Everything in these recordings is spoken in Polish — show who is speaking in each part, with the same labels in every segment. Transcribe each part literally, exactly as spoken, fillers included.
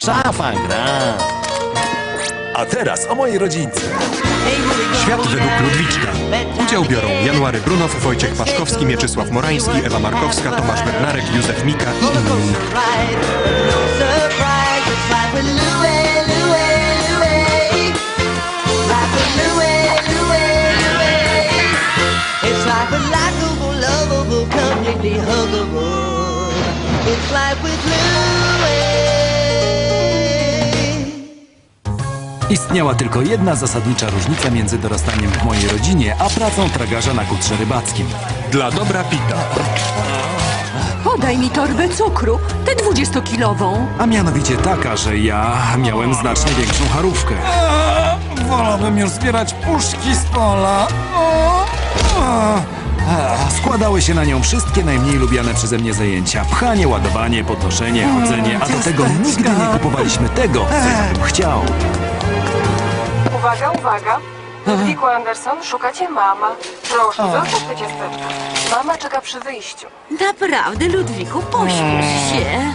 Speaker 1: Szafa gra.
Speaker 2: A teraz o mojej rodzince.
Speaker 3: Świat według Ludwiczka. Udział biorą January Brunow, Wojciech Paszkowski, Mieczysław Morański, Ewa Markowska, Tomasz Bednarek, Józef Mika i inni.
Speaker 4: Istniała tylko jedna zasadnicza różnica między dorastaniem w mojej rodzinie, a pracą tragarza na kutrze rybackim.
Speaker 3: Dla dobra Pita.
Speaker 5: Podaj mi torbę cukru, tę dwudziestokilową.
Speaker 4: A mianowicie taka, że ja miałem znacznie większą charówkę. Wolałbym już zbierać puszki z pola. Składały się na nią wszystkie najmniej lubiane przeze mnie zajęcia. Pchanie, ładowanie, podnoszenie, chodzenie, a do tego nigdy nie kupowaliśmy tego, co ja bym chciał.
Speaker 6: Uwaga, uwaga. Ludwiku Anderson, szukacie mama. Proszę, zostaw te ciasteczka. Mama czeka przy wyjściu.
Speaker 5: Naprawdę, Ludwiku, pośpiesz się.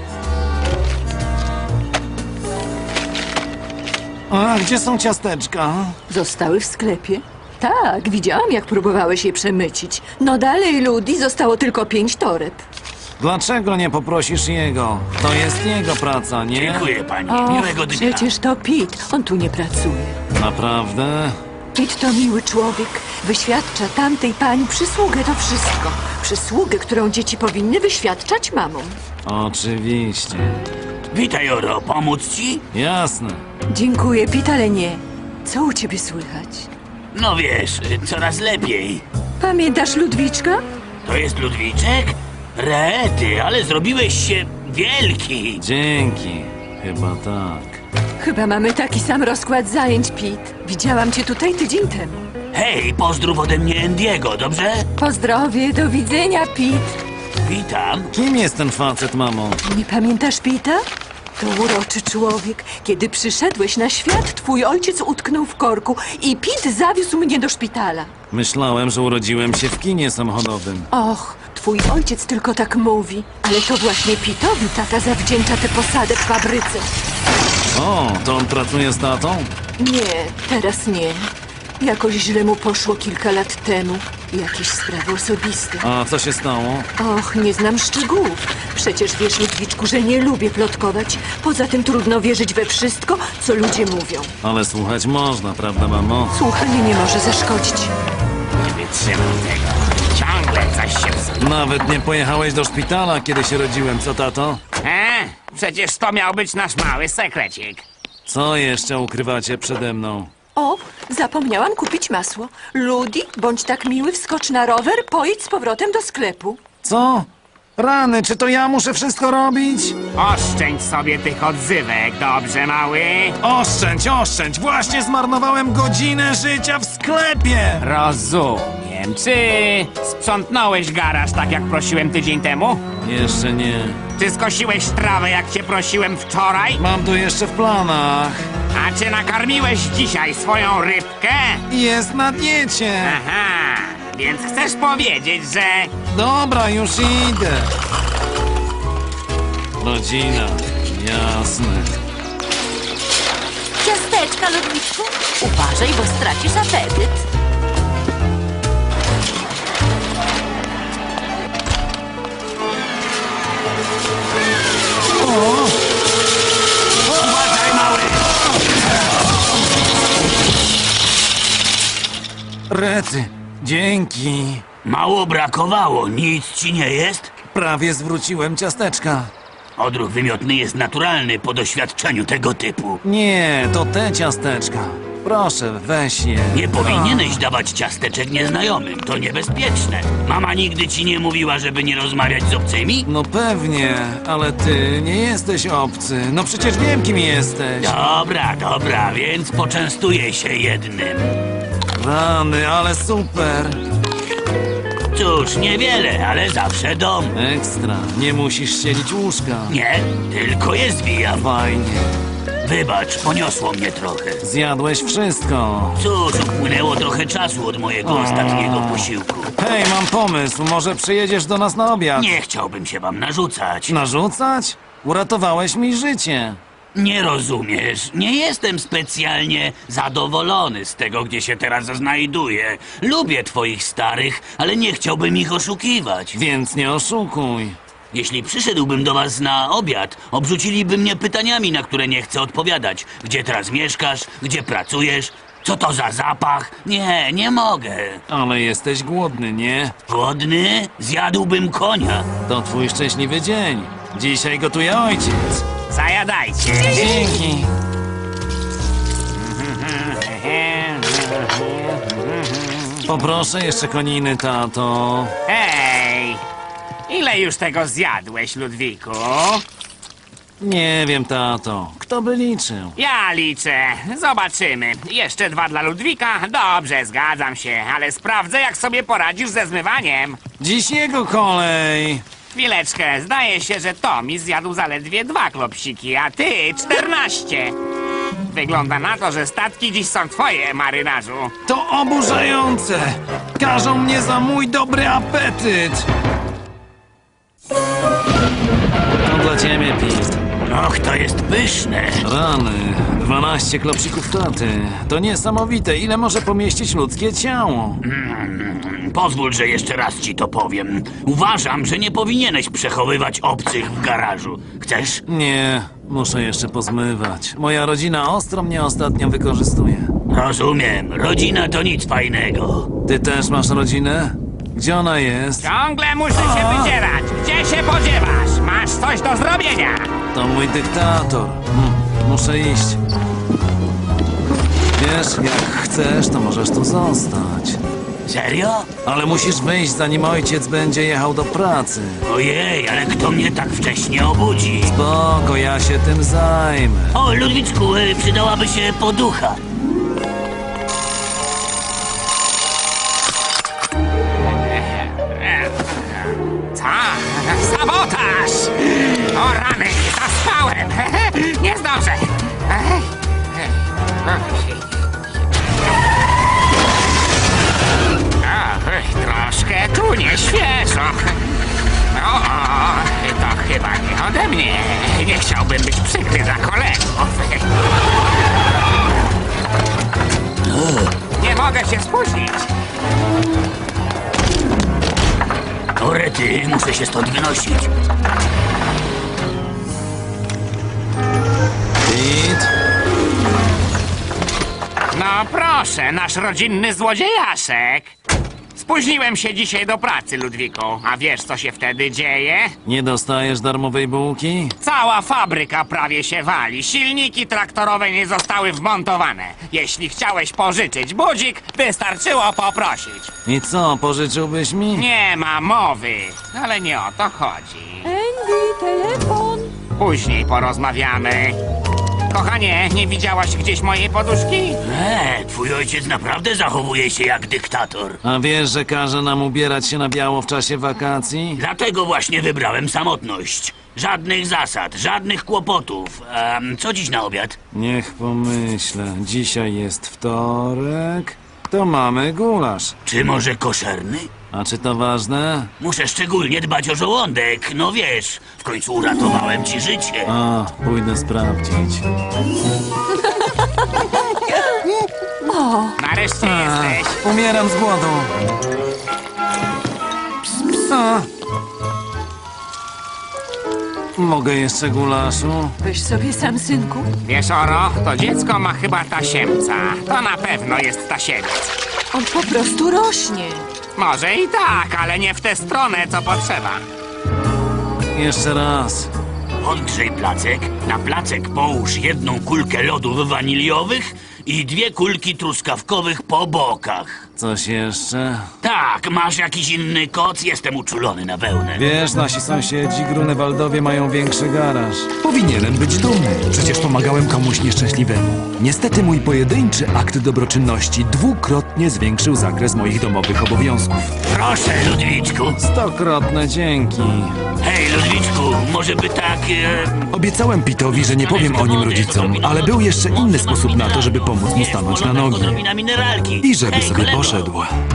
Speaker 4: A gdzie są ciasteczka?
Speaker 5: Zostały w sklepie? Tak, widziałam, jak próbowałeś je przemycić. No dalej, Ludi, zostało tylko pięć toreb.
Speaker 4: Dlaczego nie poprosisz jego? To jest jego praca, nie?
Speaker 7: Dziękuję pani,
Speaker 5: O,
Speaker 7: miłego dnia.
Speaker 5: przecież to Pete, on tu nie pracuje.
Speaker 4: Naprawdę?
Speaker 5: Pete to miły człowiek. Wyświadcza tamtej pani przysługę, to wszystko. Przysługę, którą dzieci powinny wyświadczać mamom.
Speaker 4: Oczywiście.
Speaker 7: Witaj, Oro, pomóc ci?
Speaker 4: Jasne.
Speaker 5: Dziękuję, Pete, ale nie. Co u ciebie słychać?
Speaker 7: No wiesz, coraz lepiej.
Speaker 5: Pamiętasz Ludwiczka?
Speaker 7: To jest Ludwiczek? Rety, ale zrobiłeś się wielki.
Speaker 4: Dzięki. Chyba tak.
Speaker 5: Chyba mamy taki sam rozkład zajęć, Pete. Widziałam cię tutaj tydzień temu.
Speaker 7: Hej, pozdrów ode mnie Endiego, dobrze?
Speaker 5: Pozdrowie, do widzenia, Pete.
Speaker 7: Witam.
Speaker 4: Kim jest ten facet, mamo?
Speaker 5: Nie pamiętasz Pita? To uroczy człowiek. Kiedy przyszedłeś na świat, twój ojciec utknął w korku i Pete zawiózł mnie do szpitala.
Speaker 4: Myślałem, że urodziłem się w kinie samochodowym.
Speaker 5: Och, twój ojciec tylko tak mówi, ale to właśnie Pitowi tata zawdzięcza tę posadę w fabryce.
Speaker 4: O, to on pracuje z tatą?
Speaker 5: Nie, teraz nie. Jakoś źle mu poszło kilka lat temu. Jakieś sprawy osobiste.
Speaker 4: A co się stało?
Speaker 5: Och, nie znam szczegółów. Przecież wiesz, Ludwiczku, że nie lubię plotkować. Poza tym trudno wierzyć we wszystko, co ludzie mówią.
Speaker 4: Ale słuchać można, prawda, mamo?
Speaker 5: Słuchanie nie może zaszkodzić.
Speaker 7: Nie wytrzymam tego. Ciągle coś się psuje.
Speaker 4: Nawet nie pojechałeś do szpitala, kiedy się rodziłem, co tato?
Speaker 7: E? Przecież to miał być nasz mały sekrecik.
Speaker 4: Co jeszcze ukrywacie przede mną?
Speaker 5: O, zapomniałam kupić masło. Ludi, bądź tak miły, wskocz na rower, pojedź z powrotem do sklepu.
Speaker 4: Co? Rany, czy to ja muszę wszystko robić?
Speaker 7: Oszczędź sobie tych odzywek, dobrze, mały?
Speaker 4: Oszczędź, oszczędź! Właśnie zmarnowałem godzinę życia w sklepie!
Speaker 7: Rozumiem. Czy sprzątnąłeś garaż tak jak prosiłem tydzień temu?
Speaker 4: Jeszcze nie.
Speaker 7: Czy skosiłeś trawę jak cię prosiłem wczoraj?
Speaker 4: Mam to jeszcze w planach.
Speaker 7: A czy nakarmiłeś dzisiaj swoją rybkę?
Speaker 4: Jest na diecie.
Speaker 7: Aha, więc chcesz powiedzieć, że...
Speaker 4: Dobra, już idę. Rodzina, jasne.
Speaker 5: Ciasteczka, Ludwiczku. Uważaj, bo stracisz apetyt.
Speaker 7: Uważaj, mały!
Speaker 4: Rety, dzięki.
Speaker 7: Mało brakowało, nic ci nie jest?
Speaker 4: Prawie zwróciłem ciasteczka.
Speaker 7: Odruch wymiotny jest naturalny po doświadczeniu tego typu.
Speaker 4: Nie, to te ciasteczka. Proszę, weź je.
Speaker 7: Nie powinieneś dawać ciasteczek nieznajomym, to niebezpieczne. Mama nigdy ci nie mówiła, żeby nie rozmawiać z obcymi?
Speaker 4: No pewnie, ale ty nie jesteś obcy. No przecież wiem, kim jesteś.
Speaker 7: Dobra, dobra, więc poczęstuję się jednym.
Speaker 4: Rany, ale super.
Speaker 7: Cóż, niewiele, ale zawsze dom.
Speaker 4: Ekstra, nie musisz ścielić łóżka.
Speaker 7: Nie, tylko je zwijam.
Speaker 4: Fajnie.
Speaker 7: Wybacz, poniosło mnie trochę.
Speaker 4: Zjadłeś wszystko.
Speaker 7: Cóż, upłynęło trochę czasu od mojego ostatniego posiłku.
Speaker 4: Hej, mam pomysł. Może przyjedziesz do nas na obiad?
Speaker 7: Nie chciałbym się wam narzucać.
Speaker 4: Narzucać? Uratowałeś mi życie.
Speaker 7: Nie rozumiesz. Nie jestem specjalnie zadowolony z tego, gdzie się teraz znajduję. Lubię twoich starych, ale nie chciałbym ich oszukiwać.
Speaker 4: Więc nie oszukuj.
Speaker 7: Jeśli przyszedłbym do was na obiad, obrzuciliby mnie pytaniami, na które nie chcę odpowiadać. Gdzie teraz mieszkasz? Gdzie pracujesz? Co to za zapach? Nie, nie mogę.
Speaker 4: Ale jesteś głodny, nie?
Speaker 7: Głodny? Zjadłbym konia.
Speaker 4: To twój szczęśliwy dzień. Dzisiaj gotuje ojciec.
Speaker 7: Zajadajcie.
Speaker 4: Dzięki. Poproszę jeszcze koniny, tato.
Speaker 1: Hej! Ile już tego zjadłeś, Ludwiku?
Speaker 4: Nie wiem, tato. Kto by liczył?
Speaker 1: Ja liczę. Zobaczymy. Jeszcze dwa dla Ludwika? Dobrze, zgadzam się, ale sprawdzę, jak sobie poradzisz ze zmywaniem.
Speaker 4: Dziś jego kolej.
Speaker 1: Chwileczkę, zdaje się, że Tomi zjadł zaledwie dwa klopsiki, a ty czternaście. Wygląda na to, że statki dziś są twoje, marynarzu.
Speaker 4: To oburzające. Każą mnie za mój dobry apetyt. To dla ciebie, Pete.
Speaker 7: Och, to jest pyszne.
Speaker 4: Rany, dwanaście klopsików taty. To niesamowite, ile może pomieścić ludzkie ciało.
Speaker 7: Pozwól, że jeszcze raz ci to powiem. Uważam, że nie powinieneś przechowywać obcych w garażu. Chcesz?
Speaker 4: Nie, muszę jeszcze pozmywać. Moja rodzina ostro mnie ostatnio wykorzystuje.
Speaker 7: Rozumiem. Rodzina to nic fajnego.
Speaker 4: Ty też masz rodzinę? Gdzie ona jest?
Speaker 1: Ciągle muszę się wydzierać. Gdzie się podziewasz? Masz coś do zrobienia.
Speaker 4: To mój dyktator. Hm, muszę iść. Wiesz, jak chcesz, to możesz tu zostać.
Speaker 7: Serio?
Speaker 4: Ale musisz wyjść, zanim ojciec będzie jechał do pracy.
Speaker 7: Ojej, ale kto mnie tak wcześnie obudzi?
Speaker 4: Spoko, ja się tym zajmę.
Speaker 7: O, Ludwiczku, y, przydałaby się poducha.
Speaker 1: Co? Sabotaż! O rany, zaspałem! Nie zdążę! O, troszkę tu nieświeżo. O, to chyba nie ode mnie. Nie chciałbym być przykry dla kolegów. Nie mogę się spóźnić.
Speaker 7: Orety, muszę się stąd wynosić.
Speaker 4: Pete?
Speaker 1: No proszę, nasz rodzinny złodziejaszek. Spóźniłem się dzisiaj do pracy, Ludwiku. A wiesz, co się wtedy dzieje?
Speaker 4: Nie dostajesz darmowej bułki?
Speaker 1: Cała fabryka prawie się wali. Silniki traktorowe nie zostały wmontowane. Jeśli chciałeś pożyczyć budzik, wystarczyło poprosić.
Speaker 4: I co, pożyczyłbyś mi?
Speaker 1: Nie ma mowy, ale nie o to chodzi.
Speaker 5: Andy, telefon.
Speaker 1: Później porozmawiamy. Kochanie, nie widziałaś gdzieś mojej poduszki?
Speaker 7: E, twój ojciec naprawdę zachowuje się jak dyktator.
Speaker 4: A wiesz, że każe nam ubierać się na biało w czasie wakacji?
Speaker 7: Dlatego właśnie wybrałem samotność. Żadnych zasad, żadnych kłopotów. Um, co dziś na obiad?
Speaker 4: Niech pomyślę. Dzisiaj jest wtorek. To mamy gulasz.
Speaker 7: Czy może koszerny?
Speaker 4: A czy to ważne?
Speaker 7: Muszę szczególnie dbać o żołądek. No wiesz, w końcu uratowałem ci życie.
Speaker 4: A, pójdę sprawdzić.
Speaker 1: Nareszcie
Speaker 4: A,
Speaker 1: jesteś.
Speaker 4: umieram z głodu. A. Mogę jeszcze gulaszu?
Speaker 5: Weź sobie sam, synku.
Speaker 1: Wiesz, Oro, to dziecko ma chyba tasiemca. To na pewno jest tasiemiec.
Speaker 5: On po prostu rośnie.
Speaker 1: Może i tak, ale nie w tę stronę, co potrzeba.
Speaker 4: Jeszcze raz.
Speaker 7: Odgrzej placek, na placek połóż jedną kulkę lodów waniliowych i dwie kulki truskawkowych po bokach.
Speaker 4: Coś jeszcze?
Speaker 7: Tak, masz jakiś inny koc? Jestem uczulony na wełnę.
Speaker 4: Wiesz, nasi sąsiedzi Grunewaldowie mają większy garaż.
Speaker 2: Powinienem być dumny. Przecież pomagałem komuś nieszczęśliwemu. Niestety mój pojedynczy akt dobroczynności dwukrotnie zwiększył zakres moich domowych obowiązków.
Speaker 7: Proszę, Ludwiczku.
Speaker 4: Stokrotne dzięki.
Speaker 7: Hej, Ludwiczku, może by tak... E...
Speaker 2: Obiecałem Pitowi, że nie powiem o nim rodzicom, ale był jeszcze inny sposób na to, żeby pomóc mu stanąć na nogi.
Speaker 7: Na mineralki.
Speaker 2: I żeby
Speaker 7: Hej,
Speaker 2: sobie
Speaker 7: kolego.
Speaker 2: poszedł.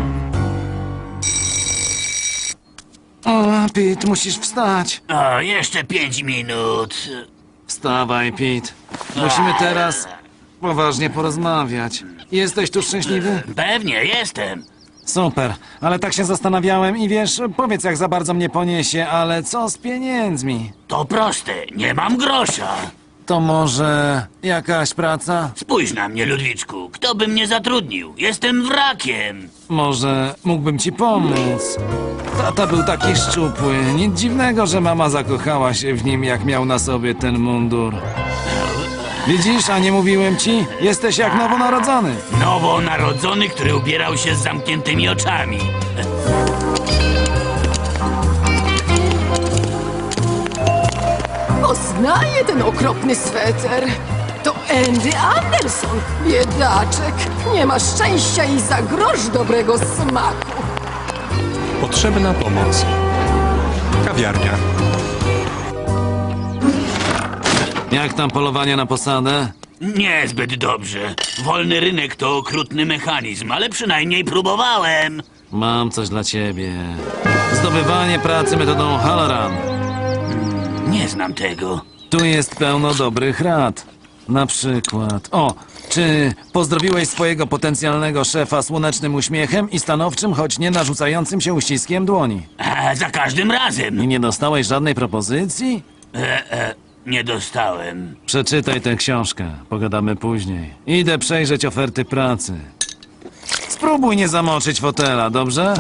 Speaker 4: O, Pete, musisz wstać.
Speaker 7: O, jeszcze pięć minut.
Speaker 4: Wstawaj, Pete.
Speaker 2: musimy teraz poważnie porozmawiać. Jesteś tu szczęśliwy?
Speaker 7: Pewnie, jestem.
Speaker 2: Super, ale tak się zastanawiałem i wiesz, powiedz jak za bardzo mnie poniesie, ale co z pieniędzmi?
Speaker 7: To proste, nie mam grosza.
Speaker 2: To może jakaś praca?
Speaker 7: Spójrz na mnie, Ludwiczku. Kto by mnie zatrudnił? Jestem wrakiem.
Speaker 2: Może mógłbym ci pomóc? Tata był taki szczupły. Nic dziwnego, że mama zakochała się w nim, jak miał na sobie ten mundur. Widzisz, a nie mówiłem ci? Jesteś jak nowonarodzony.
Speaker 7: Nowonarodzony, który ubierał się z zamkniętymi oczami.
Speaker 5: Poznaję ten okropny sweter. To Andy Anderson, biedaczek. Nie ma szczęścia i za grosz dobrego smaku.
Speaker 3: Potrzebna pomoc. Kawiarnia.
Speaker 2: Jak tam polowanie na posadę?
Speaker 7: Niezbyt dobrze. Wolny rynek to okrutny mechanizm, ale przynajmniej próbowałem.
Speaker 2: Mam coś dla ciebie. Zdobywanie pracy metodą Halloran.
Speaker 7: Nie znam tego.
Speaker 2: Tu jest pełno dobrych rad. Na przykład... O, czy pozdrowiłeś swojego potencjalnego szefa słonecznym uśmiechem i stanowczym, choć nie narzucającym się uściskiem dłoni?
Speaker 7: A, za każdym razem.
Speaker 2: I nie dostałeś żadnej propozycji?
Speaker 7: E, e, nie dostałem.
Speaker 2: Przeczytaj tę książkę. Pogadamy później. Idę przejrzeć oferty pracy. Spróbuj nie zamoczyć fotela, dobrze?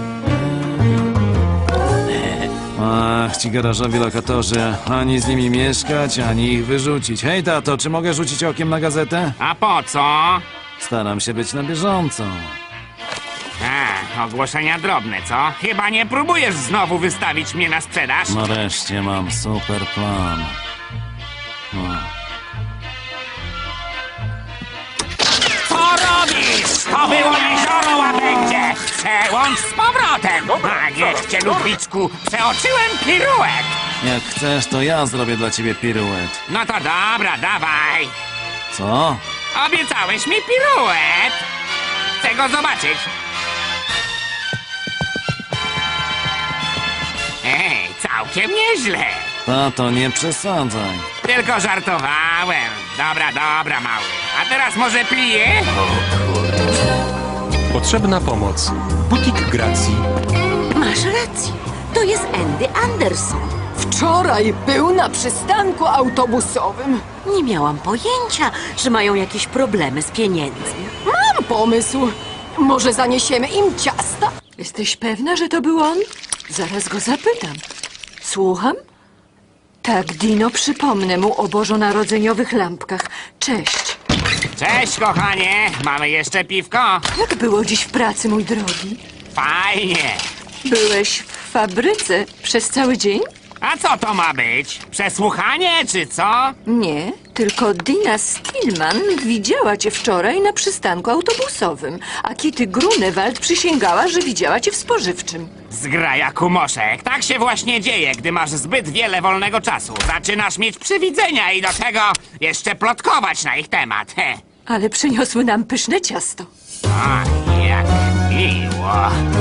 Speaker 2: Ach, ci garażowi lokatorzy. Ani z nimi mieszkać, ani ich wyrzucić. Hej, tato, czy mogę rzucić okiem na gazetę?
Speaker 1: A po co?
Speaker 2: Staram się być na bieżąco.
Speaker 1: A, ogłoszenia drobne, co? Chyba nie próbujesz znowu wystawić mnie na sprzedaż?
Speaker 2: Nareszcie mam super plan. No.
Speaker 1: Co robisz? To było jezioro łabędzie! Przełącz z powrotem! A niech cię, Ludwiczku, przeoczyłem piruet!
Speaker 2: Jak chcesz, to ja zrobię dla ciebie piruet.
Speaker 1: No to dobra, dawaj!
Speaker 2: Co?
Speaker 1: Obiecałeś mi piruet! Chcę go zobaczyć! Ej, całkiem nieźle!
Speaker 2: Tato, nie przesadzaj.
Speaker 1: Tylko żartowałem. Dobra, dobra, mały. A teraz może pliję?
Speaker 3: Potrzebna pomoc. Butik Gracji.
Speaker 8: Masz rację. To jest Andy Anderson.
Speaker 5: Wczoraj był na przystanku autobusowym.
Speaker 8: Nie miałam pojęcia, że mają jakieś problemy z pieniędzmi.
Speaker 5: Mam pomysł. Może zaniesiemy im ciasta? Jesteś pewna, że to był on? Zaraz go zapytam. Słucham? Tak, Dino, przypomnę mu o bożonarodzeniowych lampkach. Cześć.
Speaker 1: Cześć, kochanie. Mamy jeszcze piwko?
Speaker 5: Jak było dziś w pracy, mój drogi?
Speaker 1: Fajnie.
Speaker 5: Byłeś w fabryce przez cały dzień?
Speaker 1: A co to ma być? Przesłuchanie, czy co?
Speaker 5: Nie, tylko Dina Stillman widziała cię wczoraj na przystanku autobusowym, a Kitty Grunewald przysięgała, że widziała cię w spożywczym.
Speaker 1: Zgraja kumoszek. Tak się właśnie dzieje, gdy masz zbyt wiele wolnego czasu. Zaczynasz mieć przywidzenia i do tego jeszcze plotkować na ich temat. He.
Speaker 5: Ale przyniosły nam pyszne ciasto.
Speaker 1: A, jak miło.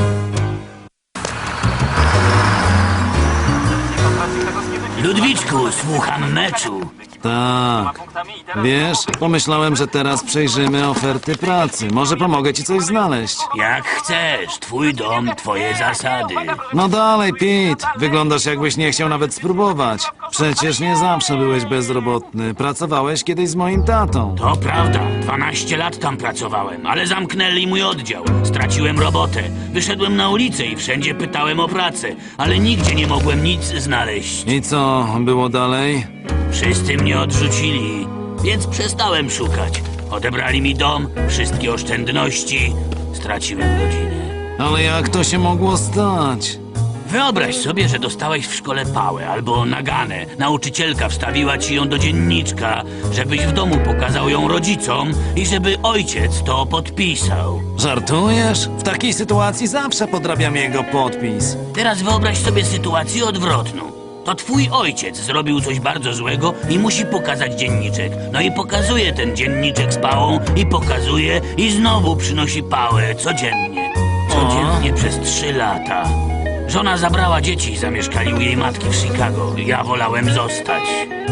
Speaker 7: Ludwiczku, słucham meczu.
Speaker 2: Tak. Wiesz, pomyślałem, że teraz przejrzymy oferty pracy. Może pomogę ci coś znaleźć.
Speaker 7: Jak chcesz, twój dom, twoje zasady.
Speaker 2: No dalej, Pete. Wyglądasz jakbyś nie chciał nawet spróbować. Przecież nie zawsze byłeś bezrobotny. Pracowałeś kiedyś z moim tatą.
Speaker 7: To prawda, dwanaście lat tam pracowałem, ale zamknęli mój oddział. Straciłem robotę. Wyszedłem na ulicę i wszędzie pytałem o pracę, ale nigdzie nie mogłem nic znaleźć.
Speaker 2: I co było dalej?
Speaker 7: Wszyscy mnie odrzucili, więc przestałem szukać. Odebrali mi dom, wszystkie oszczędności. Straciłem rodzinę.
Speaker 2: Ale jak to się mogło stać?
Speaker 7: Wyobraź sobie, że dostałeś w szkole pałę albo naganę. Nauczycielka wstawiła ci ją do dzienniczka, żebyś w domu pokazał ją rodzicom i żeby ojciec to podpisał.
Speaker 2: Żartujesz? W takiej sytuacji zawsze podrabiam jego podpis.
Speaker 7: Teraz wyobraź sobie sytuację odwrotną. To twój ojciec zrobił coś bardzo złego i musi pokazać dzienniczek. No i pokazuje ten dzienniczek z pałą i pokazuje i znowu przynosi pałę codziennie. Codziennie przez trzy lata. Żona zabrała dzieci i zamieszkali u jej matki w Chicago. Ja wolałem zostać.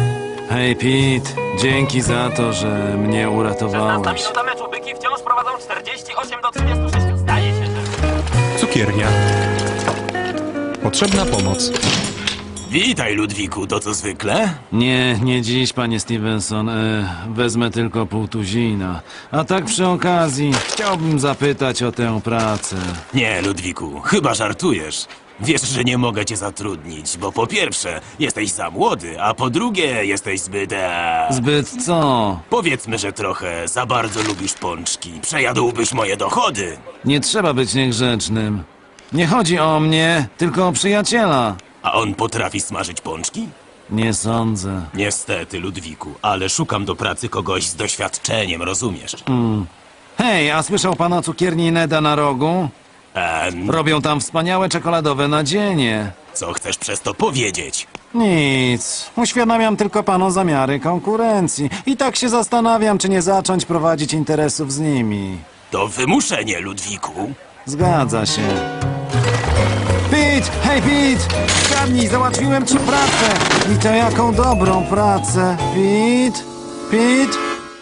Speaker 2: Hej, Pete, dzięki za to, że mnie uratowałeś.
Speaker 9: minuta meczu. Byki wciąż prowadzą czterdzieści osiem do trzydziestu sześciu. Zdaje się, że...
Speaker 3: Cukiernia. Potrzebna pomoc.
Speaker 9: Witaj, Ludwiku, to co zwykle?
Speaker 2: Nie, nie dziś, panie Stevenson. E, wezmę tylko pół tuzina. A tak przy okazji, chciałbym zapytać o tę pracę.
Speaker 9: Nie, Ludwiku, chyba żartujesz. Wiesz, że nie mogę cię zatrudnić, bo po pierwsze, jesteś za młody, a po drugie, jesteś zbyt... E...
Speaker 2: Zbyt co?
Speaker 9: Powiedzmy, że trochę za bardzo lubisz pączki. Przejadłbyś moje dochody.
Speaker 2: Nie trzeba być niegrzecznym. Nie chodzi o mnie, tylko o przyjaciela.
Speaker 9: A on potrafi smażyć pączki?
Speaker 2: Nie sądzę.
Speaker 9: Niestety, Ludwiku, ale szukam do pracy kogoś z doświadczeniem, rozumiesz?
Speaker 2: Hej, a słyszał pan o cukierni Neda na rogu?
Speaker 9: Em,
Speaker 2: Robią tam wspaniałe czekoladowe nadzienie.
Speaker 9: co chcesz przez to powiedzieć?
Speaker 2: Nic. Uświadamiam tylko panu zamiary konkurencji. I tak się zastanawiam, czy nie zacząć prowadzić interesów z nimi.
Speaker 9: To wymuszenie, Ludwiku.
Speaker 2: Zgadza się. Pete! Hej, Pete! Zgadnij, załatwiłem ci pracę! I to jaką dobrą pracę. Pete? Pete?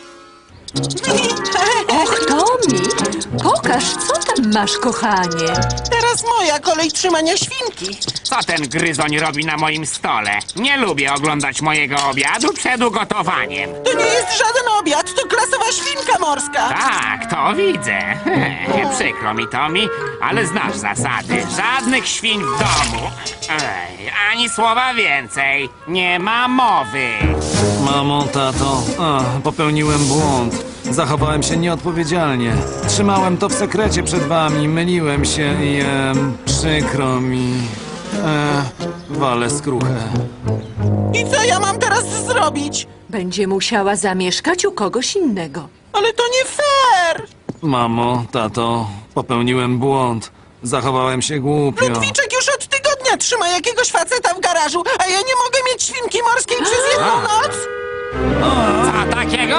Speaker 5: Och, Tommy, pokaż, co tam masz, kochanie.
Speaker 10: Teraz moja kolej trzymania świnki.
Speaker 1: Co ten gryzoń robi na moim stole? Nie lubię oglądać mojego obiadu przed ugotowaniem.
Speaker 10: To nie jest żaden obiad, to klasowa świnka morska.
Speaker 1: Tak, to widzę. Przykro mi, Tommy, ale znasz zasady. Żadnych świń w domu. Ej, ani słowa więcej. Nie ma mowy.
Speaker 2: Mamo, tato, a, popełniłem błąd. Zachowałem się nieodpowiedzialnie. Trzymałem to w sekrecie przed wami, myliłem się i em, przykro mi. E, walę skruchę.
Speaker 10: I co ja mam teraz zrobić?
Speaker 5: Będzie musiała zamieszkać u kogoś innego.
Speaker 10: Ale to nie fair.
Speaker 2: Mamo, tato, popełniłem błąd. Zachowałem się głupio.
Speaker 10: Ludwiczek już od tygodnia trzyma jakiegoś faceta w garażu, a ja nie mogę mieć świnki morskiej przez jedną noc?
Speaker 1: Co takiego?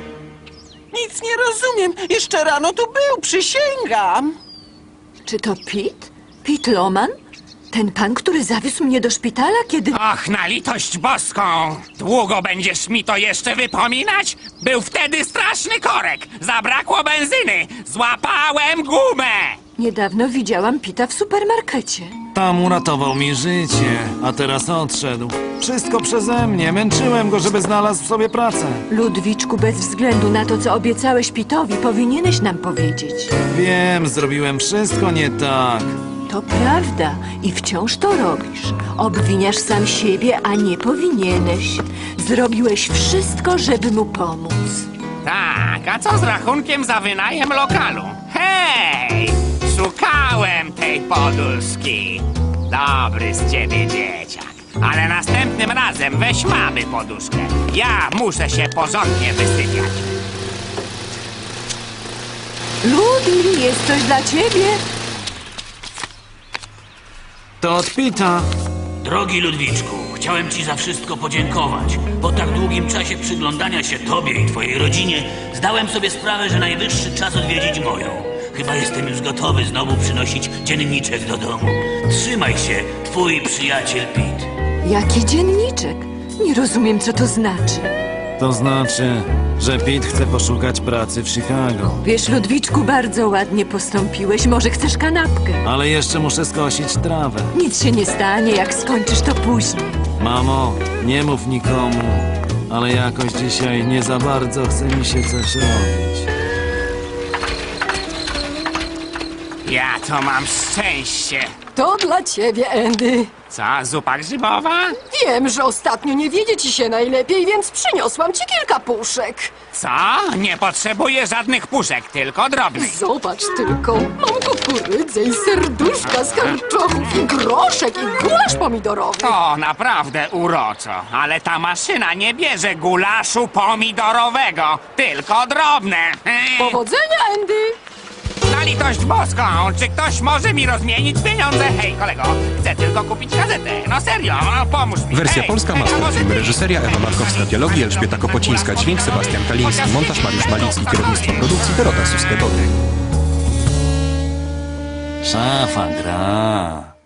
Speaker 10: Nic nie rozumiem. Jeszcze rano tu był, przysięgam.
Speaker 5: Czy to Pete? Pete Loman? Ten pan, który zawiózł mnie do szpitala, kiedy...
Speaker 1: Och, na litość boską! Długo będziesz mi to jeszcze wypominać? Był wtedy straszny korek! Zabrakło benzyny! Złapałem gumę!
Speaker 5: Niedawno widziałam Pita w supermarkecie.
Speaker 2: Tam uratował mi życie, a teraz odszedł. Wszystko przeze mnie. Męczyłem go, żeby znalazł sobie pracę.
Speaker 5: Ludwiczku, bez względu na to, co obiecałeś Pitowi, powinieneś nam powiedzieć.
Speaker 2: Wiem, zrobiłem wszystko nie tak.
Speaker 5: To prawda i wciąż to robisz. Obwiniasz sam siebie, a nie powinieneś. Zrobiłeś wszystko, żeby mu pomóc.
Speaker 1: Tak, a co z rachunkiem za wynajem lokalu? Hej! Szukałem tej poduszki. Dobry z ciebie dzieciak. Ale następnym razem weź mamy poduszkę. Ja muszę się porządnie wysypiać.
Speaker 5: Ludi, jest coś dla ciebie?
Speaker 2: To od Pita.
Speaker 7: Drogi Ludwiczku, chciałem ci za wszystko podziękować. Po tak długim czasie przyglądania się tobie i twojej rodzinie zdałem sobie sprawę, że najwyższy czas odwiedzić moją. Chyba jestem już gotowy znowu przynosić dzienniczek do domu. Trzymaj się, twój przyjaciel Pete.
Speaker 5: Jaki dzienniczek? Nie rozumiem, co to znaczy.
Speaker 2: To znaczy, że Pete chce poszukać pracy w Chicago.
Speaker 5: Wiesz, Ludwiczku, bardzo ładnie postąpiłeś. Może chcesz kanapkę?
Speaker 2: Ale jeszcze muszę skosić trawę.
Speaker 5: Nic się nie stanie, jak skończysz to później.
Speaker 2: Mamo, nie mów nikomu, ale jakoś dzisiaj nie za bardzo chce mi się coś robić.
Speaker 1: Ja to mam szczęście.
Speaker 6: To dla ciebie, Andy.
Speaker 1: Co, zupa grzybowa?
Speaker 6: Wiem, że ostatnio nie wiedzie ci się najlepiej, więc przyniosłam ci kilka puszek.
Speaker 1: Co? Nie potrzebuję żadnych puszek, tylko drobnych.
Speaker 6: Zobacz tylko, mam kukurydzę i serduszka z karczochów i groszek i gulasz pomidorowy.
Speaker 1: To naprawdę uroczo, ale ta maszyna nie bierze gulaszu pomidorowego, tylko drobne. Eee.
Speaker 6: Powodzenia, Andy!
Speaker 1: Na litość boską, czy ktoś może mi rozmienić pieniądze? Hej, kolego, chcę tylko kupić gazetę. No serio, no pomóż mi.
Speaker 3: Wersja
Speaker 1: Hej,
Speaker 3: polska,
Speaker 1: hej, a
Speaker 3: master
Speaker 1: może
Speaker 3: film,
Speaker 1: ty?
Speaker 3: reżyseria Ewa Markowska, dialogi Elżbieta Kopocińska, dźwięk Sebastian Kaliński, montaż Mariusz Malicki, kierownictwo produkcji Dorota Susketoty.
Speaker 2: Szafa gra.